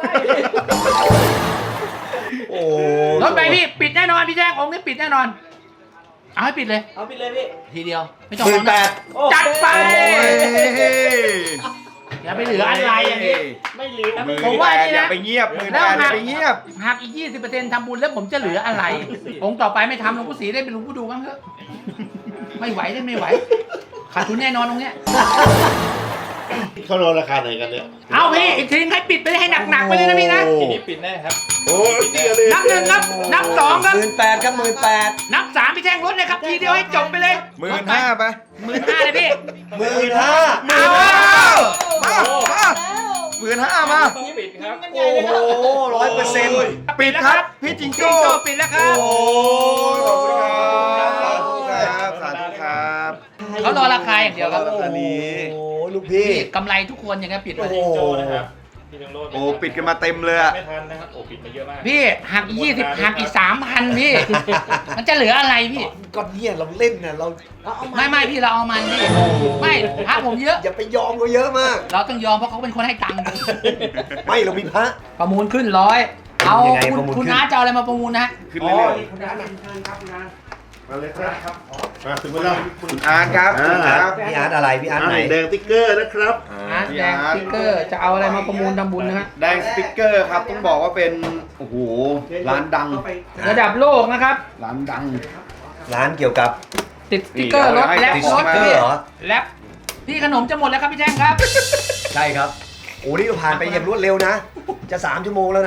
S2: โอ้
S3: ลดไปพี่ปิดแน่นอนพี่แจ้งองค์นี้ปิดแน่นอน เอาให้ปิดเลย
S4: เอาไปเลยพี่
S3: ทีเดียวไม่ต้อง
S2: 18,000
S4: โอ้
S3: จัดไป
S1: โอ้ย
S3: อย่าไปเหลืออะไรอย่างนี้
S4: ไม่เหลือ
S3: ผมว่านี่นะ
S1: อย่าไปเงียบมือ
S3: แล้
S1: แป
S3: ว
S1: ดอย่าไปเงียบ
S3: หักอีก 20%ทำบุญแล้วผมจะเหลืออะไร องค์ต่อไปไม่ทำหลวงปู่ศรีได้เป็นหลวงปู่ดูบ้างเถอะไม่ไหวได้ไม่ไหวขาดทุนแน่นอนตรงเนี้ย
S5: เขาลดราคาไหนกันเนี่ย
S3: เอาพี่อีกทีให้ปิดไปให้หนักๆไปเลยนะพี่นะ
S5: ทีนี้ปิดแน่ครับโอ้ยเดียวเลย
S3: นับ 1ครับนับ 2ครับ
S2: 18,000ครับ18,000
S3: นับ 3พี่แท่งลดเลยครับทีเดียวให้จบไปเลย
S1: 15,000ไป
S3: 15,000เลยพี่
S2: 15,000
S3: เอา
S1: 15,000มา
S4: ปิดครับ
S2: โอ้โห100%
S1: ปิดครับ พี่จิง
S3: จิง
S1: โจ้
S3: โจ้ปิดแล้วครับ
S1: โอ้ยขอบคุณครับสาธุครับสาธุครับ
S3: เขารอราคาอย่างเดียวครับ
S1: อันนี้
S2: โอ้ลูกพี่
S3: พี่กำไรทุกคนอย่างเงี้ยปิดไป
S2: โอ้
S3: เลย
S2: โห
S1: โอ้ปิดกันมาเต็มเลยอะ
S6: ไม่ทันนะครับ โอ้ปิดมาเยอะมาก
S3: พี่หักอีก20หักอีก 3,000พี่ มันจะเหลืออะไรพี่
S2: ก็เนี่ยเราเล่นน่ะเรา
S3: ไม่พี่เราเอามันพี่ไม่พระผมเยอะ
S2: อย่าไปยอมเขาเยอะมาก
S3: เราต้องยอมเพราะเขาเป็นคนให้ตังค์
S2: ไม่เรามีพระ
S3: ประมูลขึ้น100เอา
S2: ยังไง
S3: คุณ
S2: ประมูล
S3: คุณ
S2: ขึ้น
S3: น้าจะเอาอะไรมาประมูลนะ
S1: ขึ้นเรื่อย
S5: มาเลยครับมาถึงเวลา
S1: ๆคุณอาร์ตครับคุณอาร์ตครับ
S2: พี่อาร์ตอะไรพี่อาร์ตไหน
S5: แดงติ๊กเกอร์นะครับ
S3: อาร์ตแดงสติ๊กเกอร์จะเอาอะไรมาประมูลทำบุญนะฮะ
S1: แดงสติ๊กเกอร์ครับต้องบอกว่าเป็นโอ้โหร้านดัง
S3: ระดับโลกนะครับ
S1: ร้านดัง
S2: ร้านเกี่ยวกับ
S3: ติดสติ๊กเกอร์รถ
S1: นี่
S3: แลบ
S1: ติด
S3: ร
S1: ส
S3: ถ
S1: ติ๊กเกอร์
S3: พี่
S2: เหรอ
S3: แลบพี่ขนมจะหมดแล้วครับพี่แจ้งครับ
S2: ใช่ครับโอ้นี่เราผ่านไปอย่างรวดเร็วนะ จะ3 ชั่วโมงแล้วนะ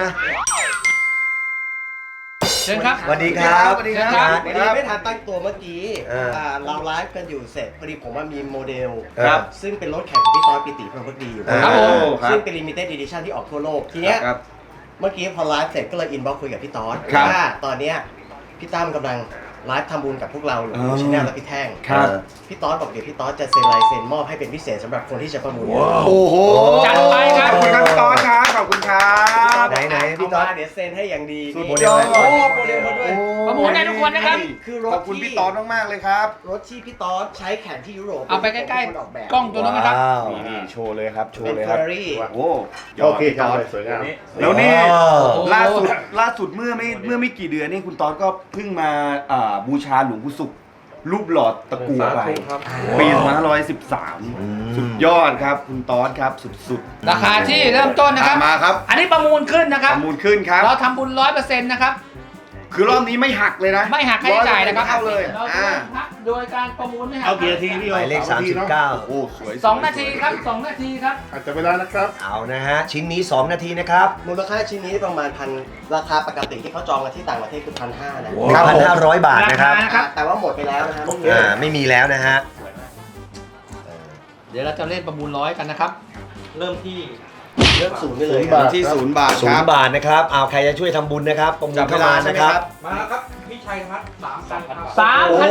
S3: เชิญครับ
S2: สวัสดีครับ
S1: สวัสดีครับ
S2: พี่อาร์ต
S7: วันนี้ไม่ทันตั้งตัวเมื่อกี้
S2: อ่า
S7: เราไลฟ์กันอยู่เสร็จพอดีผมว่ามีโมเดล
S2: ครับ
S7: ซึ่งเป็นรถแข่งของพี่ต้อยปิติพรหมพักดีอยู่
S3: ครับผม
S1: ครับ
S7: ซึ่งเป็น limited edition ที่ออกทั่วโลก ทีเนี้ย
S1: ครับ
S7: เมื่อกี้พอไลฟ์เสร็จก็เลยอินบ็อกซ์คุยกับพี่ต้อย
S1: ครับ
S7: ว่าตอนเนี้ยพี่ตั้มกำลังไลฟ์ทำบุญกับพวกเราอยู่ชแนลและพี่แท่ง
S1: ครับ
S7: พี่ต้อยบอกเดี๋ยวพี่ต้อยจะเซ็นลายเซ็นมอบให้เป็นพิเศษสำหรับคนที่จะประมูล
S1: โอ้โห
S3: จัดไปครับ
S1: ขอบคุณครับพี่ตอนครับขอบคุณครับ
S2: ไหนพี่ต๊อด
S7: เามาเดี๋ยวเซ็นให้อย่างดี
S1: สุด
S7: นี่
S1: ยอด
S7: โอ้โมเดลมาด้วย
S3: ประมูลได้ทุกคนนะครับ
S7: คือร
S1: ข
S7: ถ
S1: อบคุณ
S7: ที่
S1: พี่ต๊อดมากๆเลยครับ
S7: รถที่พี่ต๊อดใช้แข่งที่ยุโรป
S3: เอาไปใกล้
S7: เป็นคนออกแบบ
S3: ๆกล้องตัวนู้นนะครับ
S2: ว้าว
S1: นี่โชว์เลยครับโช
S7: เป็
S1: ว์
S7: น
S1: เลย
S7: เฟ
S1: ค
S7: อ
S1: รับ
S7: ร์รี่
S1: โอ้
S5: โอเคครับสวยงาม
S1: แล้วนี่
S2: ว้าว
S1: ล่าสุดเมื่อไม่กี่เดือนนี่คุณต๊อดก็เพิ่งมาบูชาหลวงปู่ศุกร์รูปหล่อตะกั่วไปปี2513สุดยอดครับคุณต๊อดครับสุด
S3: ราคาที่เริ่มต้นนะครับ
S1: มาครับ
S3: อันนี้ประมูลขึ้นนะค
S1: ป
S3: รับ
S1: ระมูลขึ้นครับ
S3: เราทำบุญ 100%นะครับ
S1: คือรอบนี้ไม่หักเลยนะ
S3: ไม่หักค่าใช้จ่ายนะครับ
S1: เข้าเลย
S3: เราโดยการประมูลไม่หัก
S5: เอากี่นาทีพี่
S2: หมายเลข
S1: โอ้สวย
S3: 2 นาทีครับ 2 นาทีครับ
S5: อาจจะเวลานะครับ
S2: 39 เอานะฮะ ชิ้นนี้ 2 นาทีนะครับ
S7: มูลค่าชิ้นนี้ประมาณพันราคาปกติที่เขาจองกันที่ต่างประเทศคือ1,500นะ
S2: 1,500 บาทนะครับ
S3: ราคา
S7: แต่ว่าหมดไปแล้วนะครับ
S2: ไม่มีแล้วนะฮะ
S3: เดี๋ยวเราจะเล่นประมูล100กันนะครับ
S7: เริ่มศูนย์ไปเลย
S5: ศูนย์บาท
S1: ที่0 บาทครับ
S2: 0 บาทนะครับ เอาใครจะช่วยทำบุญนะครับประมูลเข้ามานะครับ
S3: มาแล้วครับพี่ชัยครับ3,000
S2: โอ้
S3: บาท
S2: โห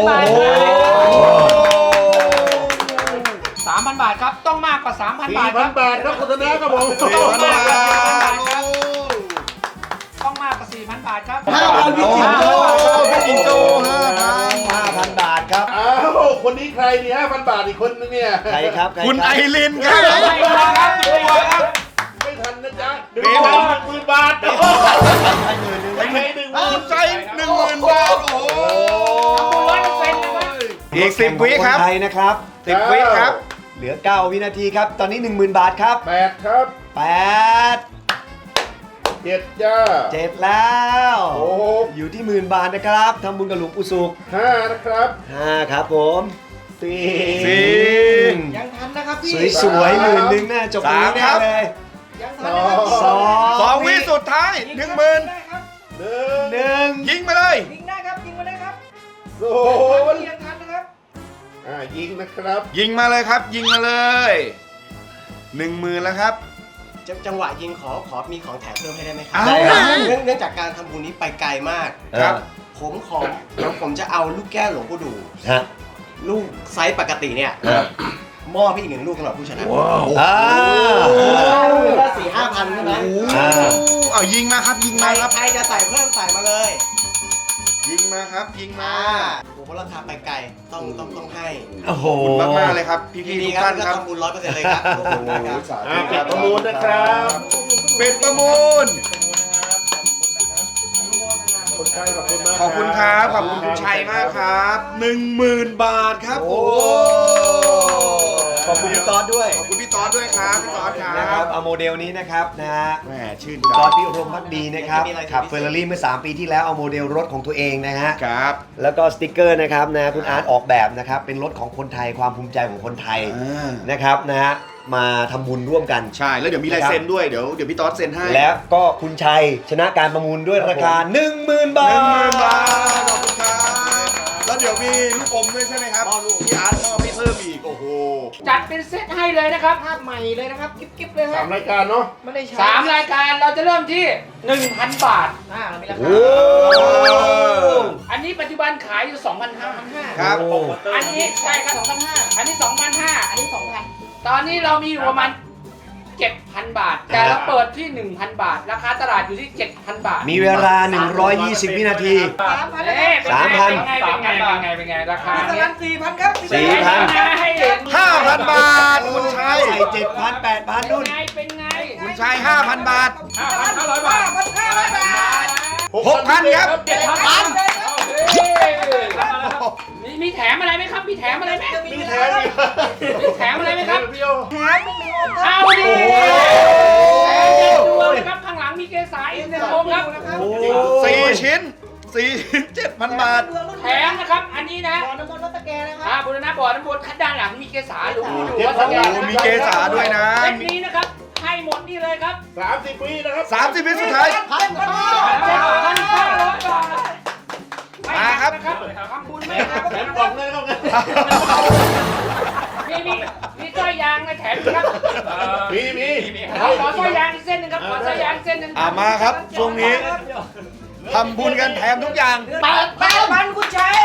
S3: 3,000 บาทครับ ต้องมากกว่า 3,000 บาทครับ
S5: 4,000 บาทครับคุณธนาครับผม
S3: ต้องมากกว่า
S1: 4,000 บาท
S3: ต้องมากกว่า 4,000 บาทครับ
S7: 5,000
S1: โอ้พี่จิงโจ้
S2: 5,000 บาทครับ
S5: อ้าวคนนี้ใครนี่5,000 บาทอีกคนนึงเนี่ย
S2: ใครครับใคร
S1: คุณไอ
S2: รับ
S1: รินครับ
S5: ไม่ทันนะจ๊ะ
S1: เดี๋ยว
S5: 10,000 บาทไม่ใช่10,000
S1: ใจ10,000 บาท โอ้โห
S3: 100%นะครับ
S1: อีก10 วิครับ
S2: นไทยนะครับ
S1: 10 วิครับ
S2: เหลือ 9 วินาทีครับ ตอนนี้ 10,000 บาทครับ
S5: 8ครับ
S2: 8
S5: 7จ้า
S2: 7 แล้ว
S5: 6
S2: อยู่ที่10,000 บาทนะครับทำบุญกับหลวงปู่ศุกร์
S5: 5นะครับ
S2: 5ครับผม4
S7: ยังทันนะครับพี่
S2: สวยๆ10,000น่าจบตรงนี้แน่เลย
S7: ยังทันนะครับ
S1: 2 วิสุดท้าย 10,000
S5: 1
S1: ยิงมาเลย
S7: ยิงได้ครับยิงมาได้ครับ
S5: 0
S7: ยังทันนะครับ
S5: ยิงนะครับ
S1: ยิงมาเลยครับ ยิงมาเลย 10,000 แล้วครับ
S7: จังหวะยิงขอมีของแถมเพิ่มให้ได้ไหมครั
S1: ได้ครับ
S7: เนื่องจากการทำบุญนี้ไปไกลมาก
S1: ครับ
S7: ผมจะเอาลูกแก้วหลวงปู่ดู
S2: ฮะ
S7: ลูกไซส์ปกติเนี่ย
S2: ครับ
S7: มอบให้อีก1 ลูกสำหรับผู้ชนะ
S2: อ่า
S7: ลูกละ4-5,000ใช่ไหม
S1: เอายิงมาครับ ยิงมาครับ
S7: ใครจะใส่เพิ่มใส่มาเลย
S1: ยิงมาครับ ยิงมา
S7: โอ้โหราคาไปไกลต้องให้
S2: โอ้โห
S1: ขอบคุณมากๆเลยครับ พี่
S7: ดี
S1: ๆทุก
S7: ครับ
S1: ท่าน
S7: ก็
S1: ครับ
S7: ทำบุญ100%เลยครับโอ้โหสาธุ
S5: ปิดประมูลนะครับ
S1: ปิดประมูล
S5: คนไทยขอบคุณมาก
S1: ขอบคุณครับ ขอบคุณคุณชัยมากครับ 10,000 บาทครับ โอ้โห
S2: ขอบคุณพี่ต๊อดด้วย
S1: ขอบคุณพี่ต๊อดด้วยครับพี่ต๊อดค
S2: นะค
S1: รั
S2: รั
S1: บบ
S2: เอาโมเดลนี้นะครับนะฮะ
S1: แหมชื่น
S2: คุณ
S1: ใจ
S2: ต๊อดพี่รมพักดีนะครับขับเฟอร์รารี่เมื่อ 3 ปีที่แล้วเอาโมเดลรถของตัวเองนะฮะ
S1: ครับ
S2: แล้วก็สติกเกอร์นะครับนะคุณอาร์ตออกแบบนะครับเป็นรถของคนไทยความภูมิใจของคนไทยนะครับนะฮะมาทำบุญร่วมกัน
S1: ใช่ แล้วเดี๋ยวมีลายเซ็นด้วย เดี๋ยวพี่ต๊อดเซ็นให้
S2: และก็คุณชัยชนะการประมูลด้วยราคา 10,000 บาท
S1: 10,000 บาท ขอบคุณครับ แล้วเดี๋ยวมีลูกอมด้วยใช่ไหมครับพี่อาร์ตมอบให้เพิ่มอีก โอ้โห
S3: จัดเป็นเซตให้เลยนะครับ
S7: ภาพใหม่เลยนะครับกิ๊บเลยครับ
S5: 3 รายการเนาะ
S7: ไม่ได้ใช้
S3: 3 รายการเราจะเริ่มที่ 1,000 บาท
S7: เรามีรา
S2: โอ้
S7: คา
S3: อันนี้ปัจจุบันขายอยู่ 2,500
S1: ครับ
S3: อันนี้ใช่ครับ 2,500 อันนี้ 2,500 อันนี้ 2,000 ตอนนี้เรามีอยู่ประมาณ 7,000 บาท แต่เราเปิดที่ 1,000 บาท ราคาตลาดอยู่ที่ 7,000 บาท
S2: มีเวลา 120 วินาที
S3: เอ๊ะเป็นไง
S2: 3,000
S3: เป็นไงราคาเนี่ย
S7: 4,000 ครับ
S2: 4,000
S3: ให้เห็น
S1: 5,000 บาท คุณชัย
S2: ใส่ 7,000 8,000 นู่น
S3: เป็นไง
S1: คุณชัย 5,000 บาท
S3: 5,500 บาท
S1: 6,000 ครับ
S3: มีแถมอะไรไหมครับ มีแถมอะไรไหม
S5: มีแถมอีก
S3: มีแถมอะไรไหมครับ
S5: พี่โย
S3: เอาดิแถมเด็ดดวงนะครับ ข้างหลังมีเกสาอีก1 โมงครับ
S1: 4 ชิ้น 7,000 บาท
S3: แถมนะครับ อันนี้นะ
S7: น้ำมนต์รถตะแกนะครับ
S3: บุรณะบ่อน้ำวนขั้นด้านหลังมีเกสาหรืออยู่
S1: โอ้
S3: ว่าสแกน
S1: โหมีเกสาด้วยนะ
S3: เซตนี้นะครับ ให้หมดนี่เลยครับ
S5: 30 ปีนะครับ
S1: 30 วิสุดท้าย
S3: 7,500 บาท
S1: มาครับ
S3: ทำบุญไหมครับ
S5: แถมกล่องเลยครับ
S3: มีสร้อยยางในแถมครับ
S5: มี
S3: ขอสร้อยยางอีกเส้นหนึ่งครับ ขอสร้อยยางเส้นหนึ่ง
S1: มาครับ ช่วงนี้ทำบุญกันแถมทุกอย่าง
S7: 8,000คุณชัย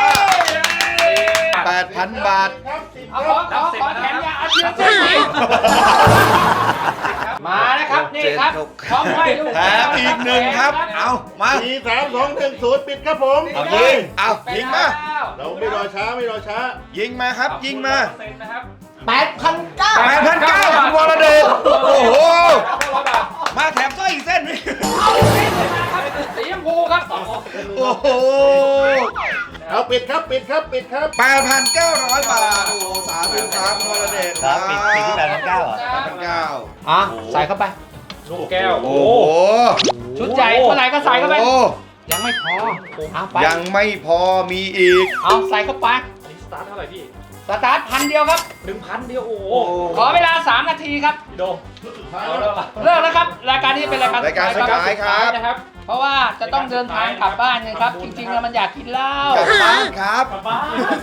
S1: 8,000 บาท
S3: เอาขอแถมยางเอาเชือกเส้นนี้มานะครับนี่คครับพร้อมห้อยลูก
S1: แถมอีกหนึ่งครับ เอามา
S5: 4 3 2 1 0ปิดครับผม
S1: เอายิงเอายิงมา
S5: เราไม่รอช้าไม่รอช้า
S1: ยิงมาครับ ยิงมา
S4: 8,900
S1: 8,900คุณวรเดชโอ้โห มาแถมสร้อยอีกเส้นนึง
S3: สีชมพูครับ
S1: โอ้โห
S5: เอาปิดครับปิดครับปิดครับ
S1: 8,900 บาท โอ้โหสาธุครับคุณวรเดช
S2: ครับปิดที่8,900เหรอ
S1: 8,900
S3: อ่ะใส่เข้าไป
S6: ลูกแก้ว
S1: โอ้โห
S3: ชุดใหญ่เท่าไหร่ก็ใส่เข้าไป
S1: โอ้
S3: ยังไม่พอเอาไป
S1: ยังไม่พอมีอีก
S3: เอาใส่เข้าไป
S6: อันนี้สตาร์ทเท่าไหร่พี่
S3: สตาร์ท1,000เดียวครับ
S6: 1,000เดียว โอ้โห
S3: ขอเวลา 3 นาทีครับ
S6: พี่โดเอาแล้วล่ะ
S3: เลิกแล้วครับ รายการนี้เป็นรายการ
S1: รายการสุดท้ายครับ
S3: นะครับ เพราะว่าจะต้องเดินทางกลับบ้านไงครับ จริงๆแล้วมันอยากกินเหล้าก
S1: ลับบ้านครับ
S6: กลับบ้าน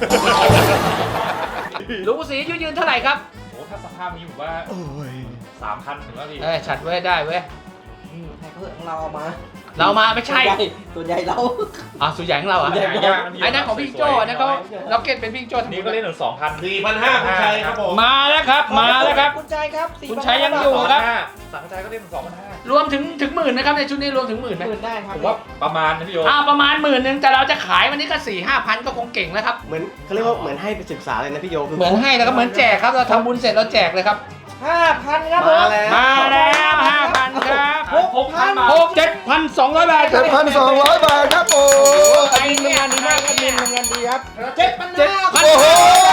S3: ลุงศรียืนเท่าไหร่ครับ
S6: โอ้ถ้าสภาพนี้ผมว่า 3,000ถึงแล้วพี่
S3: ชัดไว้ได้เว้ย
S4: ให้เขาของเราเอามา
S3: เรามาไม่ใช่
S4: ตัวใหญ่เรา
S3: สุดใหญ่ของเราอ่ะ
S6: ใหญ่ยาก
S3: ไอ้นั่นของพี่โจ้นะเขาเราเก็ตเป็นพี่โจ้ทั้งหม
S6: นี่
S3: ด
S6: ก็เล่นถึง 2,000
S5: 4,500คุณชัยครับผม
S3: มาแล้วครับ มาแล้วครับ
S4: คุณใจครับ
S3: คุณชัยยังอยู่ ครับ
S6: สังใจก็เล่นถึง 2,500
S3: รวมถึงหมื่นนะครับในชุดนี้รวมถึงหมื่นไหม
S4: หมื่นได้ครับ
S6: ผมว่าประมาณนะพี่โย
S3: ประมาณ10,000แต่เราจะขายวันนี้ก็4-5,000ก็คงเก่งแล้วครับ
S7: เหมือนเขาเรียกว่าเหมือนให้ไปศึกษาเลยนะพี่โยคื
S3: เหมือนให้แล้วก็เหมือนแจกครับเราทำบุญเสร็จเราแจกเลยครับ
S4: 5,000ครับผม
S3: มาแล้ว5,000ครับ
S6: 6,000 บาท
S3: 7,200 บาทครับ
S1: 7,200 บาทครับโอ้
S3: ไปงานดีมากครับมินทำงานดีครับ
S4: 7,500
S1: โอ้โห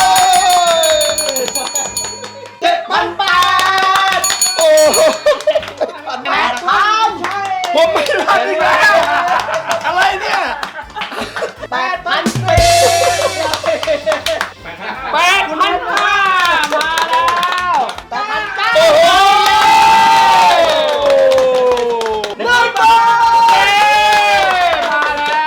S4: 7,000 บาท
S1: โอ้โห
S4: 8,000ใช่
S1: ผมไม่ทันอีกแล้ว อะไรเนี่ย
S4: 8,000
S3: 8,500มาแล้ว
S4: 8,900
S1: โอ้โห
S4: 1,000 บาท
S3: มาแล้ว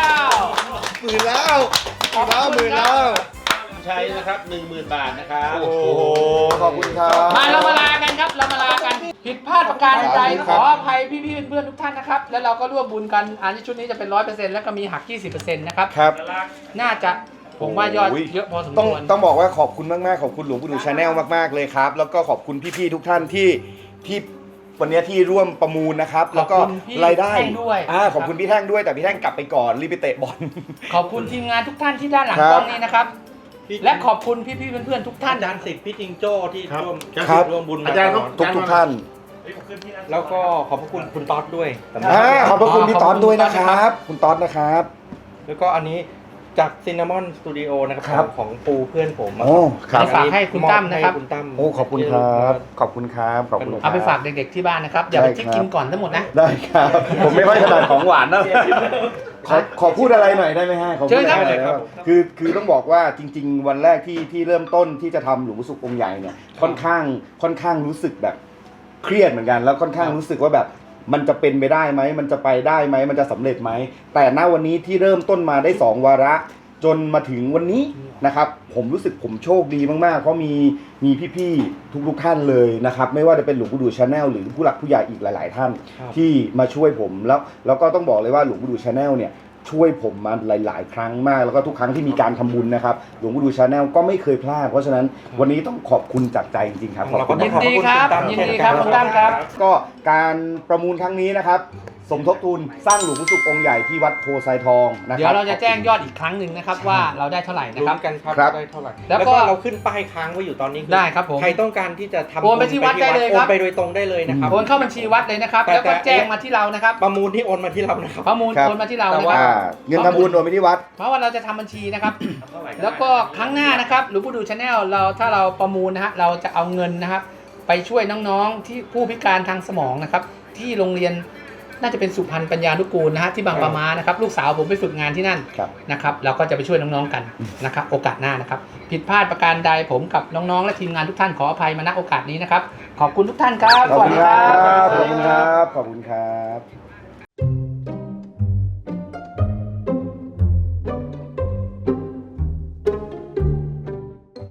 S1: หมื่นแล้วหมื่นแล้ว
S5: ชัยนะครับ 10,000 บาทนะครับ
S1: โอ้โห ขอบคุณครับ
S3: มาเรามาลากันครับเรามาลากันผิดพลาดประการใด
S1: ค
S3: ข
S1: รับ
S3: ออภัยพี่ๆเพื่อนๆทุกท่านนะครับแล้วเราก็ร่วมบุญกันอันนี้ชุดนี้จะเป็น 100%แล้วก็มีหัก 20%นะครับ
S1: ครับ
S3: น่าจะผมว่ายอดเยอะพอสม
S1: ต้อง
S3: ควร
S1: ต้องบอกว่าขอบคุณมากๆขอบคุณหลวงปู่ดูชาแนลมากๆเลยครับ แล้วก็ขอบคุณพี่ๆทุกท่านที่วันนี้ที่ร่วมประมูลนะครับ แล้วก็
S3: ขอบคุณพี่
S1: รายได้
S3: แท่งด้วย
S1: ขอบคุณพี่แท่งด้วยแต่พี่แท่งกลับไปก่อนรีบไปเตะบอล
S3: ขอบคุณทีมงานทุกท่านที่ด้านหลัง
S1: ครับ
S3: กล้องนี้นะครับ และขอบคุณพี่ๆเพื่อนๆทุกท่าน
S7: อาจารย์สิทธิ์พี่จิงโจ้ที่
S5: ครับ
S7: ร่วม
S1: ครับ
S7: ร่วมบุญ
S5: อาจารย์ครับ
S1: ทุกท่าน
S7: แล้วก็ขอบพระคุณคุณต๊อดด้วย
S1: ขอบพระคุณพี่ต๊อดด้วยนะครับ คุณต๊อดนะครับ
S7: แล้วก็อันนี้จากซินนามอนสตูดิโอนะครับ
S1: ครับ
S7: ของปูเพื่อนผม
S1: โอ้ครับ
S3: ฝากให้คุณตั้มนะครับ
S7: ให้คุณตั้ม
S1: โอ้ขอบคุณครับขอบคุณครับขอบคุณครับ
S3: เอาไปฝากเด็กๆที่บ้านนะครับอย่าไป
S1: ได้
S3: ทิ้ง
S1: ครับ
S3: กินก่อนทั้งหมดนะ
S1: ได้ครับ ผมไม่ค่อยถนัดของหวานนะขอพูดอะไรหน่อยได้ไหมฮะขอพูดอะไรหน่อยครับคือต้องบอกว่าจริง ๆ วันแรกที่เริ่มต้นที่จะทำหลวงปู่ศุกร์องค์ใหญ่เนี่ยค่อนข้างรู้สึกแบบเครียดเหมือนกัน แล้วค่อนข้างรู้สึกว่าแบบมันจะเป็นไปได้ไหมมันจะไปได้ไหมมันจะสำเร็จไหมแต่ณวันนี้ที่เริ่มต้นมาได้2วาระจนมาถึงวันนี้นะครับผมรู้สึกผมโชคดีมากๆเพราะมีพี่ๆทุกท่านเลยนะครับไม่ว่าจะเป็นหลวงปู่ดูชาแนลหรือผู้หลักผู้ใหญ่อีกหลาย ๆ ท่าน ที่มาช่วยผมแล้วก็ต้องบอกเลยว่าหลวงปู่ดูชาแนลเนี่ยช่วยผมมาหลาย ๆ ครั้งมากแล้วก็ทุกครั้งที่มีการทำบุญนะครับหลวงปู่ดูชาแนลก็ไม่เคยพลาดเพราะฉะนั้นวันนี้ต้องขอบคุณจากใจจริงๆครับขอบคุณ
S3: ยิน
S1: มาก
S3: ดีครับยินดีครับคุณตั้มครับ
S1: ก็การประมูลครั้งนี้นะครับสมทบทุนสร้างหลวงปู่ศุกร์องค์ใหญ่ที่วัดโพไซทองนะครับ
S3: เดี๋ยวเราจะแจ้งยอดอีกครั้งหนึ่งนะครับว่าเราได้เท่าไหร่นะ
S7: ลุ้
S3: ครับ
S7: นกันครับ
S1: ครับ
S7: ได้เท่าไหร่
S3: แล้
S7: แล้ว ว
S3: ก็
S7: ก็เราขึ้นป้ายค้างไว้อยู่ตอนนี้อ
S3: ได้ครับผม
S7: ใครต้องการที่จะทำ
S3: โอนไปที่วัดได้เลยครับ
S7: โอนไปโดยตรงได้เลยนะครับ
S3: โอนเข้าบัญชีวัดเลยนะครับ
S7: แต่
S3: แล้วก็แจ้งมาที่เรานะครับ
S7: ประมูลที่โอนมาที่เรานะครับ
S3: ประมูล
S1: ครับ
S3: โอนมาที่เรา
S7: แต่
S3: นะค
S7: ว่า
S3: รับ
S1: เงินทำบุญโอนไปที่วัด
S3: เพราะว่าเราจะทำบัญชีนะครับ แล้วก็ครั้งหน้านะครับหลวงปู่ดูชาแนลเราถ้าเราประมูลนะฮะเราจะเอาเงินนะครับ ไปช่วยน้องๆที่ผู้พิการทางสมองนะครับ ที่โรงเรียนน่าจะเป็นสุพรรณปัญญานุกูลนะฮะที่บางปะมานะครับลูกสาวผมไปฝึกงานที่นั่น
S1: ครับ
S3: นะครับเราก็จะไปช่วยน้องๆกันนะครับโอกาสหน้านะครับผิดพลาดประการใดผมกับน้องๆและทีมงานทุกท่านขออภัยมาณโอกาสนี้นะครับขอบคุณทุกท่านครับ
S1: ขอบ
S3: สวัส
S1: คุณ
S3: ดี
S1: ค
S3: ค
S1: รั
S3: รับ
S1: ขอบคุณครับขอบคุณครับ